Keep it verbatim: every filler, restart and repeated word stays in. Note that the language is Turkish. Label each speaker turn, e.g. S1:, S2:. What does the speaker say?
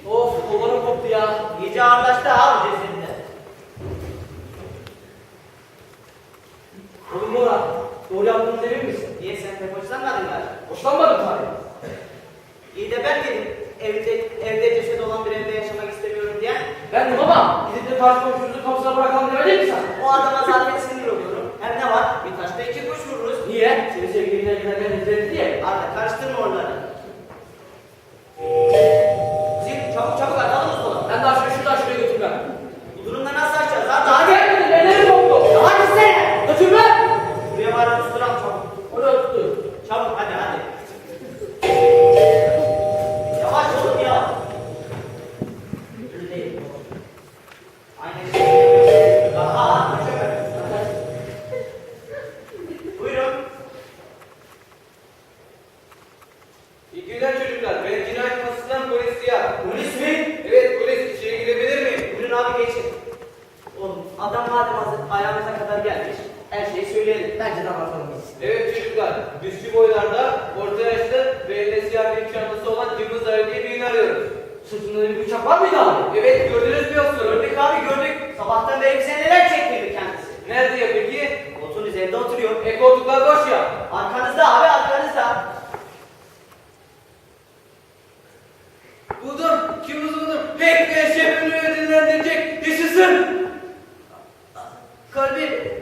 S1: Of kollarım koptu ya.
S2: İyice ağırlaştı abi cesedinde.
S1: Oğlum Murat, doğru yaptığınızı emin misin?
S2: Niye sen pek hoşlanmadın galiba?
S1: Hoşlanmadım tabii.
S2: İyi de ben dedim. Evde, evde ceset olan bir evde yaşamak istemiyorum diye.
S1: Ben de baba, gidip de karşı komşunuzun kapısına bırakalım demedin mi sen?
S2: O adama zaten sinir oluyorum. Hem ne var? Bir taşta iki kuş vururuz.
S1: Niye? Seni sevgiline giderken izledi diye.
S2: Arda karıştırma oraları. Zil çabuk çabuk atalım o sola.
S1: Ben daha şuraya şuradan şuraya götür ben.
S2: Bu durumda nasıl açacağız? Arda
S1: Daha
S2: hadi.
S1: gelmedi, ellerim koptu.
S2: Ya hadi sen.
S1: Götür ben.
S2: Buraya var tutturam çabuk.
S1: Oraya tuttu.
S2: Çabuk hadi hadi. Yavaş olun ya. Öyle değil. Aynen. Aha. Buyurun.
S3: İyi günler çocuklar. Ben cinayet masasından polis Ziya.
S2: Polis mi?
S3: Evet polis. İçeri girebilir miyim?
S2: Buyurun abi geçin. Oğlum adam madem hazır ayağımıza kadar gelmiş. Her şeyi söyleyelim. Bence de anlatalım biz.
S3: Evet çocuklar. Düşük boylarda, orta yaşlı ve elinde siyah bir çantası olan Cımbız Ali diye birini arıyoruz.
S1: Sırtında bir bıçak var mıydı abi?
S3: Evet gördünüz mü yoksa?
S2: Gördük abi gördük. Sabahtan beri bize neler çektirdi kendisi.
S3: Nerede ya peki?
S2: Koltuğun üzerinde oturuyor.
S3: E koltuklar boş ya.
S2: Arkanızda abi arkanızda.
S3: Buldum. Kim buldum? Pek ve şefini ödüllendirecek. Yaşasın.
S2: Kalbi